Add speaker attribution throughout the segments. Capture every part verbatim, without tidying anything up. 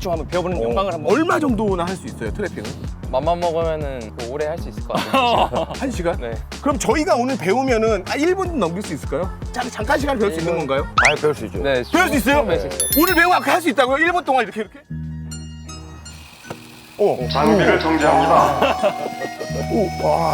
Speaker 1: 대충 한번 배워보는 영광을 한번.
Speaker 2: 얼마 정도나 할 수 있어요, 트래핑은?
Speaker 3: 맘만 먹으면은 뭐 오래 할 수 있을 것 같아요.
Speaker 2: 한 시간?
Speaker 3: 네.
Speaker 2: 그럼 저희가 오늘 배우면은 아, 일 분 넘길 수 있을까요? 잠, 잠깐 시간 배울 수 있는 건가요?
Speaker 4: 아, 배울 수 있죠.
Speaker 3: 네.
Speaker 2: 배울 수 있어요?
Speaker 3: 배울 수 있어요.
Speaker 2: 오늘 배우면 아까 할 수 있다고요? 일 분 동안 이렇게 이렇게? 오.
Speaker 4: 장비를 정지합니다.
Speaker 2: 오, 와.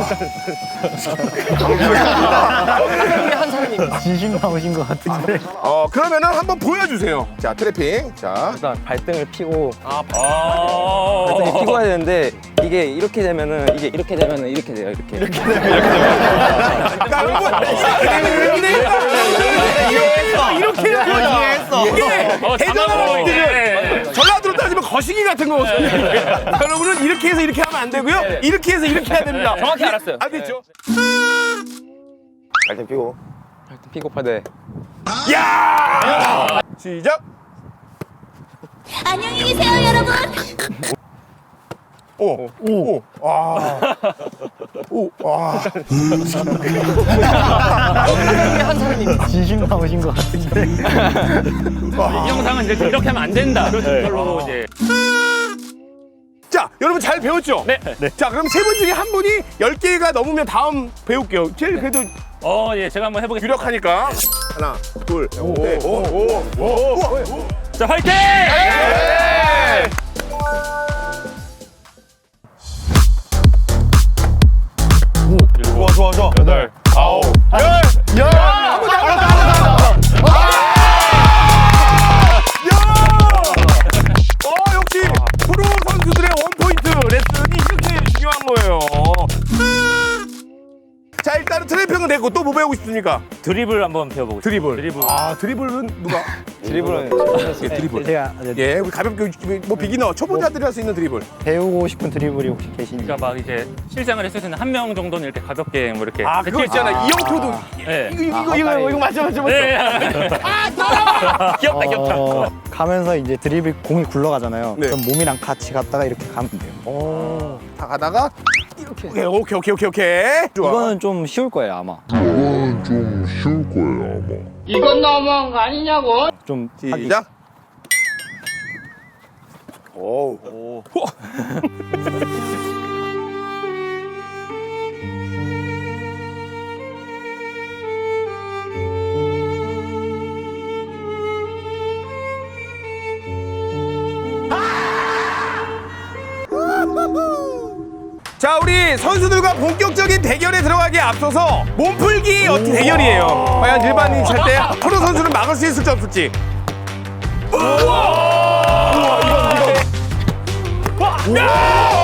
Speaker 1: 한 사람이
Speaker 5: 진심 나오신 것 같은데.
Speaker 2: 어, 그러면은 한번 보여주세요. 자, 트래핑. 자.
Speaker 1: 일단 발등을 피고
Speaker 3: 아,
Speaker 1: 발등을 피고 해야 되는데 이게 이렇게 되면은 이게 이렇게 되면은 이렇게 돼요. 이렇게. 이렇게.
Speaker 2: 자, 여러분. 이렇게 이해했어. 이렇게 이해했어. 이게 대단한 분들은 전라도로 따지면 거시기 같은 거거든요. 여러분은 이렇게 해서 이렇게 하면 안 되고요. 이렇게 해서 이렇게 해야 됩니다.
Speaker 1: 정확히 알았어요.
Speaker 2: 알겠죠?
Speaker 4: 발등 피고.
Speaker 3: 발등 피고 파대.
Speaker 2: 야! 시작.
Speaker 6: 안녕히 계세요, 여러분.
Speaker 2: 오, 오, 와, 오, 와.
Speaker 1: 한 사람이
Speaker 5: 진심 나오신 것 같은데.
Speaker 7: 이 영상은 이제 이렇게 하면 안 된다. 그걸로 이제.
Speaker 2: 자, 여러분 잘 배웠죠?
Speaker 7: 네.
Speaker 2: 자, 그럼 세 분 중에 한 분이 열 개가 넘으면 다음 배울게요. 제일 그래도
Speaker 7: 어, 예, 제가 한번 해보겠습니다.
Speaker 2: 유력하니까. 하나, 둘, 셋, 오, 오, 오, 오, 오.
Speaker 7: 자, 화이팅!
Speaker 2: 좋아, 좋아, 좋아.
Speaker 7: 여덟, 아홉.
Speaker 2: 열, 열. 한번 더, 한번 더, 한번 더. 야! 어, 역시 프로 선수들의 원포인트 레슨이 이렇게 중요한 거예요. 자, 일단은 트래핑은 됐고 또 뭐 배우고 싶습니까?
Speaker 5: 드리블 한번 배워보고 싶어요.
Speaker 2: 드리블.
Speaker 5: 드리블.
Speaker 2: 아, 드리블은 누가?
Speaker 3: 드리블은
Speaker 2: 예, 드리블.
Speaker 5: 제가
Speaker 2: 예, 우리 가볍게 뭐 비기너 초보자들이 할 수 있는 드리블.
Speaker 5: 배우고 싶은 드리블이 혹시 계신지.
Speaker 7: 그러니까 막 이제 실장을 했을 때는 한 명 정도는 이렇게 가볍게 뭐 이렇게.
Speaker 2: 아, 그거 있잖아. 이영표도
Speaker 7: 네.
Speaker 2: 이거 이거 이거 이거, 이거 맞아 맞아 맞아.
Speaker 7: 네.
Speaker 1: 귀엽다 귀엽다.
Speaker 8: 어, 가면서 이제 드리블 공이 굴러가잖아요.
Speaker 2: 네.
Speaker 8: 그럼 몸이랑 같이 갔다가 이렇게 가면 돼요.
Speaker 2: 다 가다가 이렇게. 오케이 오케이 오케이 오케이 오케이. 좋아.
Speaker 8: 이거는 좀 쉬울 거예요 아마.
Speaker 9: 이건 좀 쉬울 거예요, 아마.
Speaker 10: 이건 너무한 거 아니냐고?
Speaker 8: 좀 하기.
Speaker 2: 시작. 오. 오. 자, 우리 선수들과 본격적인 대결에 들어가기에 앞서서 몸풀기 어떻게 대결이에요. 과연 일반인 찰 때 프로 선수는 막을 수 있을지 없을지. 우와! 우와, 이거 이거. 와! 야!